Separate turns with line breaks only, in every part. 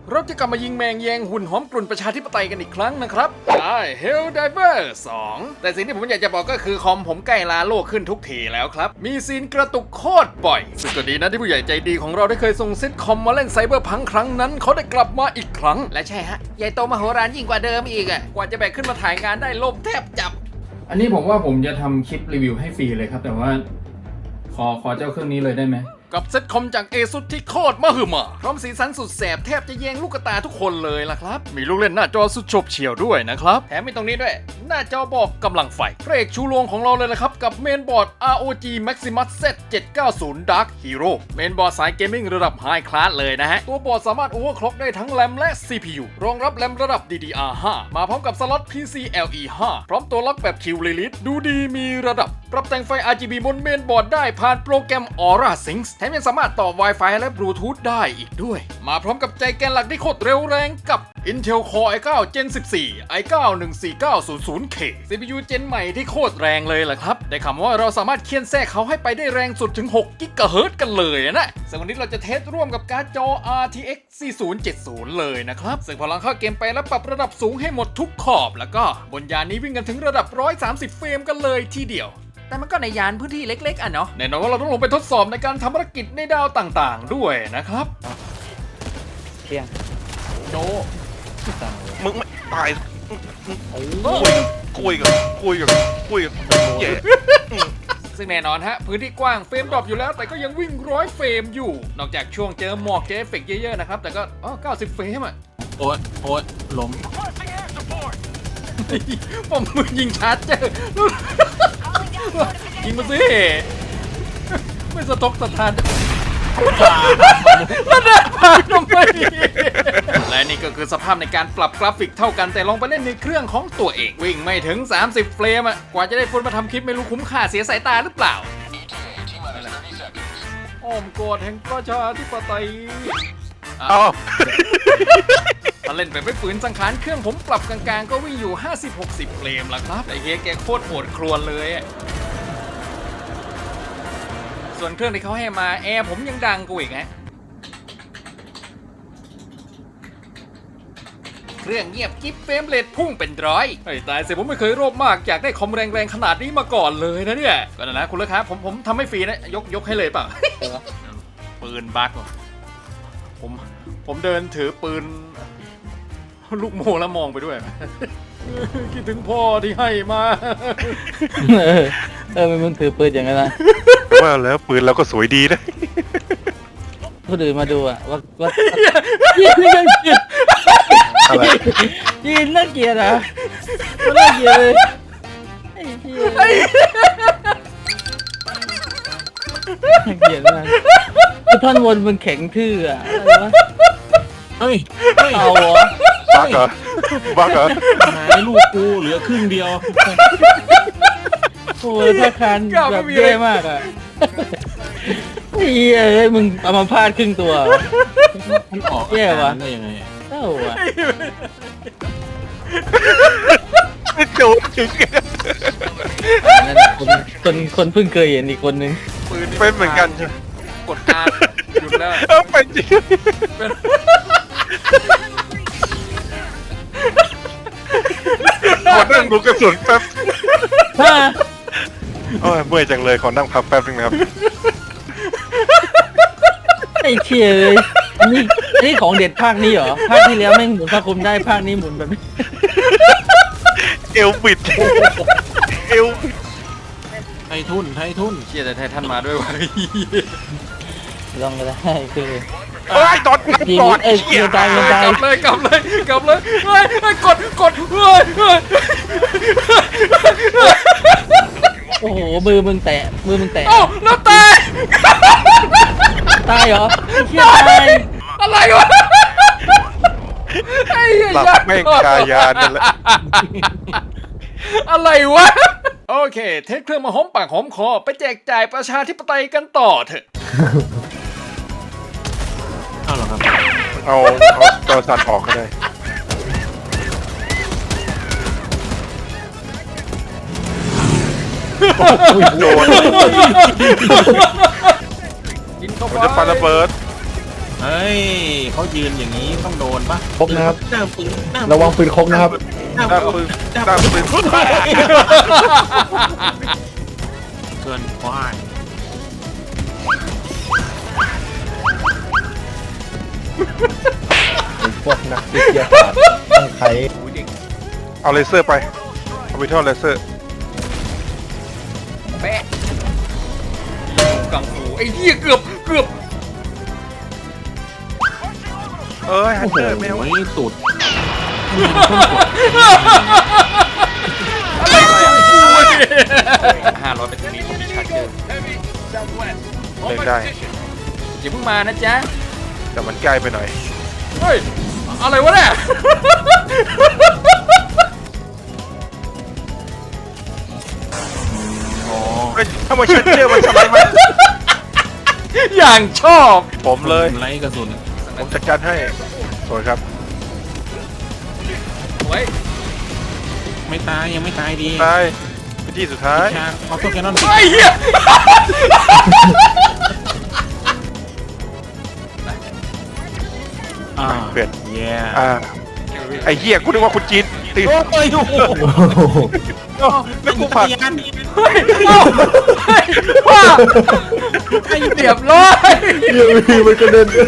เราจะกลับมายิงแมงแยงหุ่นหอมกลุ่นประชาธิปไตยกันอีกครั้งนะครับใช่ Helldiver 2 แต่สิ่งที่ผมอยากจะบอกก็คือคอมผมใกล้ลาโลกขึ้นทุกทีแล้วครับ มีซีนกระตุกโคตรบ่อย ซึ่งก็ดีนะที่ผู้ใหญ่ใจดีของเราได้เคยส่งซิทคอมมาเล่นไซเบอร์พังครั้งนั้นเขาได้กลับมาอีกครั้ง และใช่ฮะ ใหญ่โตมโหฬารยิ่งกว่าเดิมอีกอ่ะ กว่าจะแบกขึ้นมาถ่ายงานได้ลมแทบจับ
อันนี้ผมว่าผมจะทำคลิปรีวิวให้ฟรีเลยครับแต่ว่าขอเจ้าเครื่องนี้เลยได้ไหม
กับเซ็ตคอมจาก ASUS ที่โคตรมหึมาพร้อมสีสันสุดแสบแทบจะแยงลูกตาทุกคนเลยล่ะครับมีลูกเล่นหน้าจอสุดโฉบเฉี่ยวด้วยนะครับแถมมีตรงนี้ด้วยหน้าจอบอกกำลังไฟพระเอกชูโรงของเราเลยละครับกับเมนบอร์ด ROG Maximus Z790 Dark Hero เมนบอร์ดสายเกมมิ่งระดับไฮคลาสเลยนะฮะตัวบอร์ดสามารถโอเวอร์คล็อกได้ทั้งแรมและ CPU รองรับแรมระดับ DDR5 มาพร้อมกับสล็อต PCIe5 พร้อมตัวล็อกแบบ Q Release ดูดีมีระดับปรับแต่งไฟ RGB บนเมนบอร์ดได้ผ่านโปรแกรม Aura Sync แถมยังสามารถต่อ Wi-Fi และ Bluetooth ได้อีกด้วยมาพร้อมกับใจแกนหลักที่โคตรเร็วแรงกับ Intel Core i9 Gen 14 i9 14900K CPU เจนใหม่ที่โคตรแรงเลยล่ะครับได้ข่าวว่าเราสามารถเคี่ยนแทรกเขาให้ไปได้แรงสุดถึง6 GHz กันเลยนะซึ่งวันนี้เราจะเทสร่วมกับการ์ดจอ RTX 4070 เลยนะครับซึ่งพอลังเข้าเกมไปแล้วปรับระดับสูงให้หมดทุกขอบแล้วก็บนยานนี้วิ่งกันถึงระดับ130เฟรมกันเลยทีเดียวแต่มันก็ในยานพื้นที่เล็กๆอ่ะเนาะแน่นอนว่าเราต้องลงไปทดสอบในการทำภารกิจในดาวต่างๆด้วยนะครับ
เที่ยง
โด
มึงไม่ตายคุยกับเย่
ซึ่งแน่นอนฮะพื้นที่กว้างเฟรมดรอปอยู่แล้วแต่ก็ยังวิ่ง100เฟรมอยู่นอกจากช่วงเจอหมอกเจอเอฟเฟกต์เยอะๆนะครับแต่ก็90เฟรมอ่ะ
โอ๊ยล้ม
ผมมือยิงชาร์จเจอยิงมาสิไม่สะทกสะท้านแล้วเดินผ่านทำไมและนี่ก็คือสภาพในการปรับกราฟิกเท่ากันแต่ลองไปเล่นในเครื่องของตัวเองวิ่งไม่ถึง30เฟรมอะกว่าจะได้ฟุตมาทำคลิปไม่รู้คุ้มค่าเสียสายตาหรือเปล่าอ้อมกอดแห่งประชาธิปไตยถ้าเล่นแบบไม่ฝืนสังขารเครื่องผมปรับกลางๆก็วิ่งอยู่50-60เฟรมละครับไอ้เฮียแกโคตรโหดครวญเลยส่วนเครื่องที่เขาให้มาแอร์ผมยังดังกว่าอีกฮะเครื่องเงียบกิ๊บเฟรมเรทพุ่งเป็นร้อยไอ้ตายเสียผมไม่เคยโลภมากอยากได้คอมแรงๆขนาดนี้มาก่อนเลยนะเนี่ยก็นะคุณลูกค้าผมทำให้ฟรีนะยกให้เลยเปล่าปืนบั๊กผมเดินถือปืนลูกโม่แล้วมองไปด้วยคิดถึงพ่อที่ให้มา
มันถือปืนอย่างนั้นนะ
ว่าแล้วปืนเราก็สวยดีนะ
คนอื่นมาดูอะว่ายินน่าเกลียดยินน่าเกลียดนะน่าเกลียดเลยไอ้เหี้ยน่าเกลียดมากท่อนบนมันแข็งทื่ออะอะไรวะ
เฮ้ย
เอาเหรอ
บักเหรอ
หายลูกกูเหลือครึ่งเดียว
โอ้ยท่าคันแบบแย่มากอ่ะเฮ้ยมึงเอามาพาดครึ่งตัว
มันออก
แย่วะ
ได้ยังไง
เอ้าวะ
โจดถึง
นั่นคนเพิ่งเคยเห็นอีกคนนึง
เป็นเหมือนกันใช่
กดอาหยุดแล้ว
เป็นจริงขอนั่งดูกระสุนแป๊บเมื่อยจังเลยขอนั่งพักแป๊บนึงนะครับ
ไอ้เชี่ยเลยอันนี้ของเด็ดภาคนี้เหรอภาคที่แล้วแม่งหมุนผ้าคลุมได้ภาคนี้หมุนแบบนี้
เอวบิดเอว
ไททุน
เชี่ยแต่ไททันมาด้วยวะ
ลองก็ได้คือ
ตอนนับก่อน
เกียร์ตายกลับ
เลยเฮ้ยกดเฮ้ย
โอ้โหมือมึงแตะ
เอ้าแล้วต
ายเหรอเชี่ยตาย
อะไรวะไอ้เหี้ย
หลับแม่งกายานนั่นแหละ
อะไรวะโอเคเทสเครื่องมาหอมปากหอมคอไปแจกจ่ายประชาธิปไตยกันต่อเถอะ
เอาหรอครับ
เอาจอสั่นออกก็ได้โดน
กินเข้าไป
จะปาระเบิด
เฮ้ยเขายืนอย่างนี้ต้องโดนปะ
ครบนะครับ
หน้าปืนหน้า
ระวังปืนครบนะครับ
หน้า
ด้าม
ปื
ปื
น
นด้ามปืน
เกินควาย
พวกนักวิทยาศาสตร์ต้องใช้
เอาเลเซอร์ไปเอาไปทอดเลเซอร์
แปะกังฟูไอ้เหี้ยเกือบ
เอ้ยฮันเตอร์แมว
โอ้ยสุด
500เป็นตรงนี้ผมมีชาร์เจอร์
เล่นได้
อย่าเพิ่งมานะจ๊ะ
แต่มันใกล้ไปหน่อย
เฮ้ยอะไรวะเนี่ย
เฮ้ยทำไมเชนเจอร์มันสไลด์มา
อย่างชอบ
ผมเลย
ไล่กระสุน
ผมจัดการให้สวยครับ
ไว้
ไม่ตายยังไม่ตายดี
ตายไปที่สุดท้าย
ชาเอาตัวแคนนอน
ไอ้เหี้ย
เปลี่ยน
เย้
ไอ้เหี้ยกูนึกว่าคุณจีนตี
โอ้ยโอ้โห
แล้วกูผ่าน
ยัน
เฮ้ยเอ้าเฮ้ยว่าเรียบร้อย
เรื่องนี้มันกระเด็น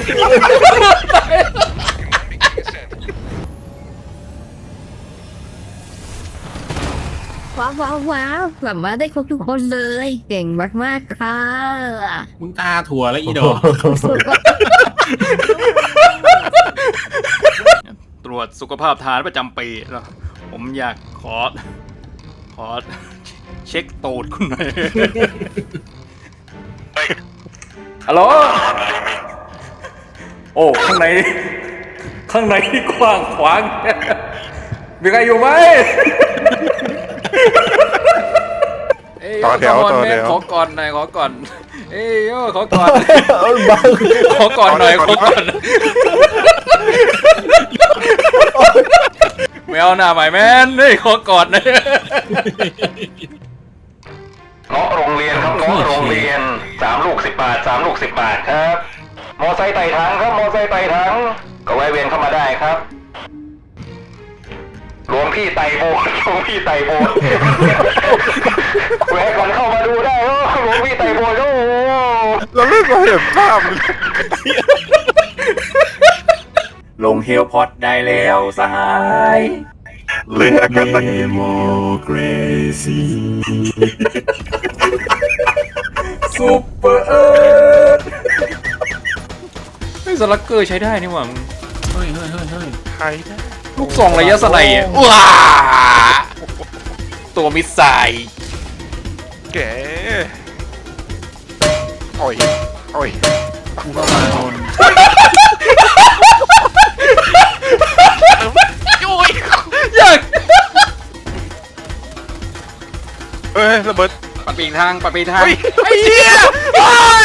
ว้าวแบบว่าได้ครบทุกคนเลย เก่งมากๆค่ะ
มึงตาถั่วแล้วอีดอก
ตรวจสุขภาพฐานประจำปีแล้วผมอยากขอเช็คตูดคุณหน่อยฮัลโหลโอ้ข้างในนี่กว้างขวางมีใครอยู่ไหมเอ้ย
ต่อแถว
ข
ต่อแถว
ขอก่อนหน่อยขอก่อนเอ้ยโย่ขอก่อน
บ้า
ขอก่อนหน่อยขอก่อนไม่เอาหน้าใหม่แม่นนี่ขอก่อนหน่อย
เงาะโรงเรียนครับเงาะโรงเรียน3 ลูก 10 บาท3 ลูก 10 บาทครับมอไซค์ไต่ถังครับมอไซค์ไต่ถังก็แวะเวียนเข้ามาได้ครับหลวงพี่ไต่โบสถ์หลวงพี่ไต่โบสถ์แวะก่อนเข้ามาดูได้โอ้หลวงพี่ไต่โบสถ์โอ้
เราเล่นมาเห็นภาพ
ลงเฮลพอดได้แล้วสหาย
เล่นกันตั้ง
ซุปเปอร์เอิร์ธไอ้สลักเกอร์ใช้ได้นี่หว่ามึง
เฮ้ย
ใครนะ
ลูกซองระยะสไนด์อะว้าตัวมิสไซล์
แกโอ้ยโอ้ย
กูก็มาโดน
ยัง
เอ้ยระเบิด
ปัดปีกทางปัดปีกทาง
เฮ้ย
ไอ้เหี้ยโอ้ย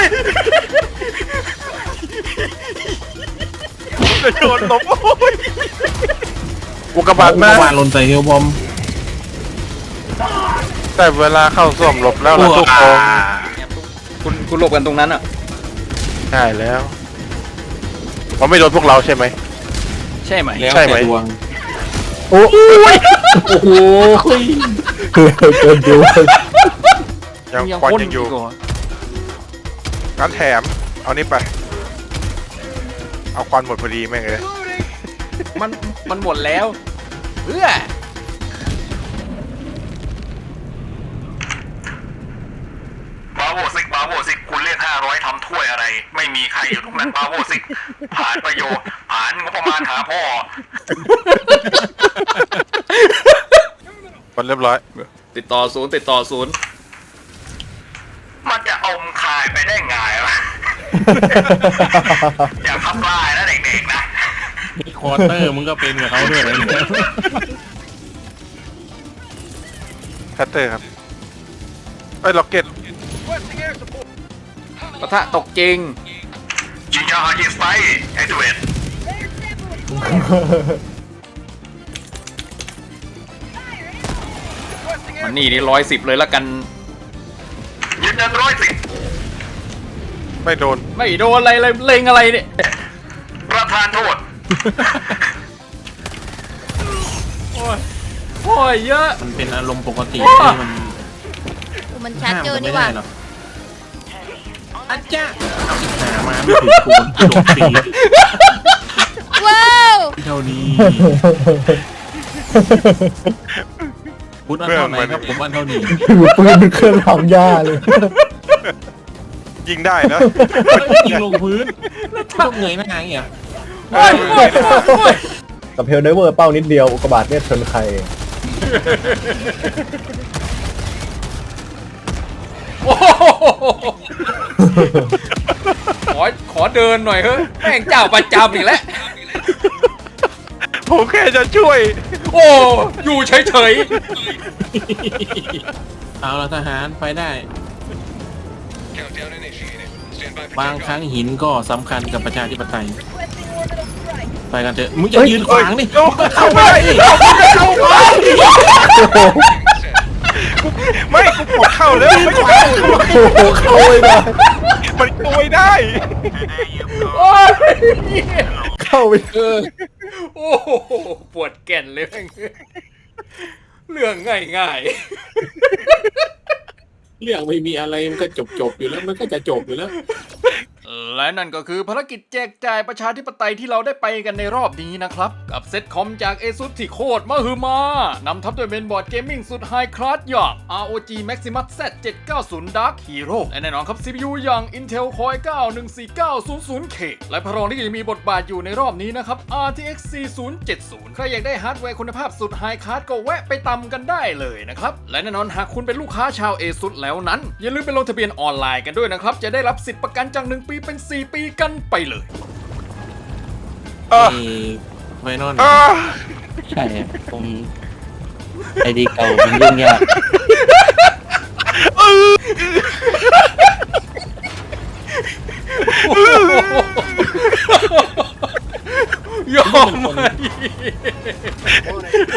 จะโดนตบโอ้ยอุกกาบาต
กู
มา
ก็มาลนใส่เฮลบอม
แต่เวลาเข้าส้วมหลบแล้วล่ะทุกคน
คุณหลบกันตรงนั้นอ่ะ
ใช่แล้วเขาไม่โดนพวกเราใช่ไหม
ใช่ไหม
แล้ว
ใช่ไหม
แต่ดวง
โอ้โหเกินดู
ยังควันยังอยู่
พ่นกเหร
งั้นแถมเอานี่ไป เอาควันหมดพอดีแม่งเลย
มันหมดแล้วเพื่อ
บาโวซิกคุณเรียก500ทำถ้วยอะไร ไม่มีใครอยู่ตรงนั้นบาโวซิกผ่านประโยชน์ผ่านงบประมาณหาพ่อ
มันเรียบร้อย
ติดต่อศูนย์
มันจะอมคายไปได้ไงวะ อย่าทำลายนะเด็กๆนะ
นี่ควอเตอร์มึงก็เป็นกับเขาด้วยเลยเนี่ย
แพตเตอร์ครับเอ้ยล็อกเก็ต
ปะทะตกจริง
จิงจายิงไฟแอคทีเวต
มันนี่110เลยละกัน
ยืนยัน110
ไม่โดน
ไม่โดนอะไรเลยเล็งอะไรเนี่ย
ทานโทษ
โอ้ยโอ้ยเยอะ
มันเป็นอารมณ์ปกติ
ว้า
ที่มัน
มันชัด
ห้าม
เจอ
กัน
นี่
ไม่
หว่า
ได้หรอกอาจารย์เอาอีกหามาไม่ถึงกูโดดฟรี
ว้าว
เท่านี้พุทธอันเท่าไหนครับผมอันเท่านี้
ถือปืนเป็นเครื่องทำหญ้าเลย
ยิงได้นะ
ยิงลงพื้นต้องเงยหน้าอย่างเงี้ย
โอ้ยโอ้ยโอ้ย
กับเพลเดเวอร์เป้านิดเดียวอุกกาบาตเนี่ยชนใคร
โอ้โหขอเดินหน่อยเฮ้ยแม่งเจ้าประจำอีกแล้ว
ผมแค่จะช่วย
โอ้อยู่เฉย
เอาละทหารไปได้ บางครั้งหินก็สำคัญกับประชาธิปไตย ไปกันเถอะมึงอย่ายืนขวางนี่
เอ้ย
มึงก็เข้าไปดิ
ไม่กูกดเข้าแล้วไม่เข้า
โอ้โหเข้าไม่ได้
มันเข้าไม่ได้
ๆโอ้ย
เข้าไป
โอ้โหปวดแก่นเลยแม่งเรื่องง่าย
เรื่องไม่มีอะไรมันก็จบอยู่แล้วมันก็จะจบอยู่แล้ว
ๆและนั่นก็คือภารกิจแจกจ่ายประชาธิปไตยที่เราได้ไปกันในรอบนี้นะครับ กับเซตคอมจาก ASUS ที่โคตรมหึมานำทัพโดยเมนบอร์ดเกมมิ่งสุดไฮคลาสอย่าง ROG Maximus Z790 Dark Hero และแน่นอนครับ CPU อย่าง Intel Core i9 14900K และพระรองที่จะมีบทบาทอยู่ในรอบนี้นะครับ RTX 4070 ใครอยากได้ฮาร์ดแวร์คุณภาพสุดไฮคลาสก็แวะไปตำกันได้เลยนะครับ และแน่นอนหากคุณเป็นลูกค้าชาว ASUS แล้วนั้น อย่าลืมไปลงทะเบียนออนไลน์กันด้วยนะครับ จะได้รับสิทธิ์ประกันจาก1 ปีเป็น 4 ปีกันไปเลย
ไวนอน
ใช่อะผมไอดีเก่ามันยุ่งยาก
ยอมไหม